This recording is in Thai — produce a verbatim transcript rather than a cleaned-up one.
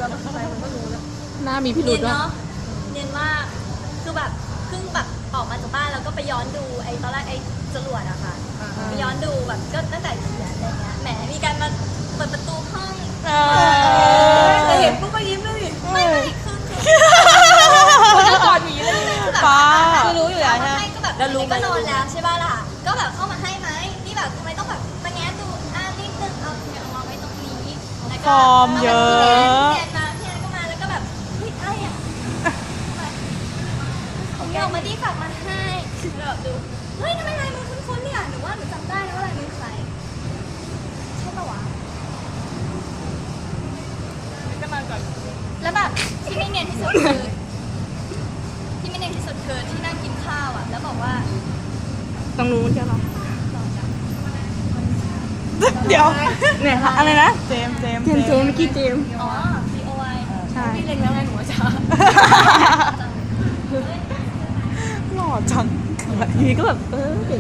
แต่ข้างในมันก็รู้แล้วหน้ามีพิรุเนีธยนด้วยเนาะเนียนมากคือแบบเพิ่งแบบออกมาจากบ้านแล้วก็ไปย้อนดูไอ้ตอนแรกไอ้จรวดอะค่ะไปย้อนดูแบบก็ตั้งแต่เขียนอะไรเงี้ยแหมมีการมาเปิดประตูห้องแต่เห็นปุ๊บก็ยิ้มเลยดิไม่ไม่คือคือก็กอดหมีเลยคือแบบป้าคือรู้อยู่แล้วใช่ไหมก็แบบแล้วรู้ก็นอนแล้วใช่ป่ะล่ะก็แบบเข้ามาให้ไหมนี่แบบทำไมต้องแบบมาแง้ดูอ่านิดนึงเอาเนี่ยเอาวางไว้ตรงนี้แล้วก็ฟอร์มเยอะพี่แอนมาพี่แอนก็มาแล้วก็แบบเฮ้ยอะไรอ่ะผมเอามาดีฝากมาให้แบบดูเฮ้ยทำไมลายมือคุ้นๆเนี่ยหนูว่าหนูจำได้นะว่าลายมือใครใช่ปะวะก็นอนก่อนแล้วแบบที่ไม่เนียนที่สุดคือที่ไม่เนียนที่สุดคือที่นั่งกินข้าวอ่ะแล้วบอกว่าตรงนู้นใช่หรอต่อจากเดี๋ยวเนี่ยค่ะอะไรนะเจมส์เจมส์เจมส์เจมส์เมื่อกี้เจมส์อ๋อ B O I ใช่พี่เล็งแล้วไงหนูว่าจะหล่อจังทีนี้ก็แบบเออ